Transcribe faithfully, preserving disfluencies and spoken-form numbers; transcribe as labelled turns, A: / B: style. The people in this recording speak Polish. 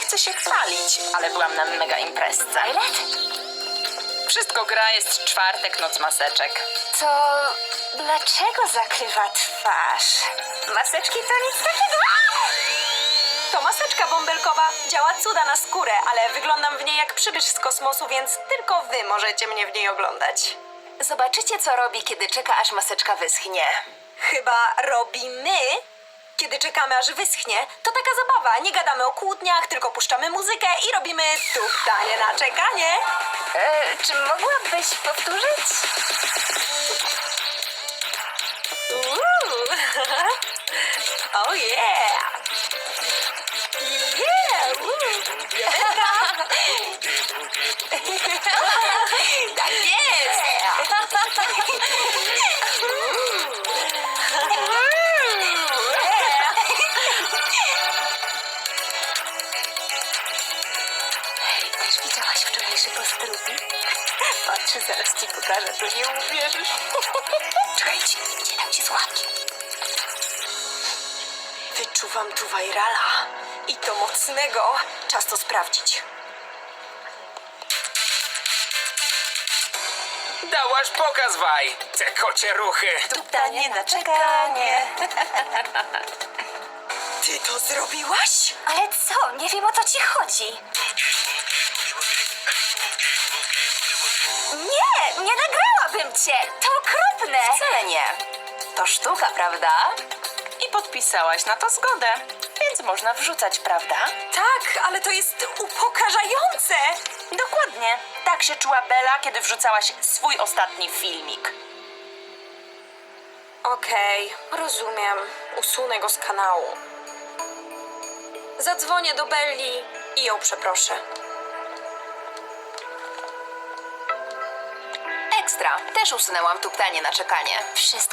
A: chcę się chwalić, ale byłam na mega imprezce.
B: Violet?
A: Wszystko gra, jest czwartek, noc maseczek.
B: To dlaczego zakrywa twarz? Maseczki to nic takiego.
C: To maseczka bąbelkowa. Działa cuda na skórę, ale wyglądam w niej jak przybysz z kosmosu, więc tylko wy możecie mnie w niej oglądać.
B: Zobaczycie, co robi, kiedy czeka, aż maseczka wyschnie.
C: Chyba robimy, kiedy czekamy, aż wyschnie. To taka zabawa. Nie gadamy o kłótniach, tylko puszczamy muzykę i robimy tuptanie na czekanie.
B: E, czy mogłabyś powtórzyć?
C: Uuu. Oh yeah! Yeah! Uuu.
B: Tak jest! Hej, też widziałaś wczorajszy post Ruby? Patrzę, zaraz ci pokażę, to nie uwierzysz. Czekajcie, nie dam ci słuchawki.
C: Wyczuwam tu virala. I to mocnego. Czas to sprawdzić.
D: Dałaś pokaz, Waj! Te kocie ruchy!
B: Tuptanie na czekanie.
C: Ty to zrobiłaś?
B: Ale co? Nie wiem, o co ci chodzi. Nie, nie nagrałabym cię. To okropne. Wcale nie. To sztuka, prawda?
A: I podpisałaś na to zgodę, więc można wrzucać, prawda?
C: Tak, ale to jest upokarzające.
A: Dokładnie. Tak się czuła Bella, kiedy wrzucałaś swój ostatni filmik.
C: Okej, rozumiem. Usunę go z kanału. Zadzwonię do Belli i ją przeproszę.
B: Ekstra. Też usunęłam tuptanie na czekanie. Wszystko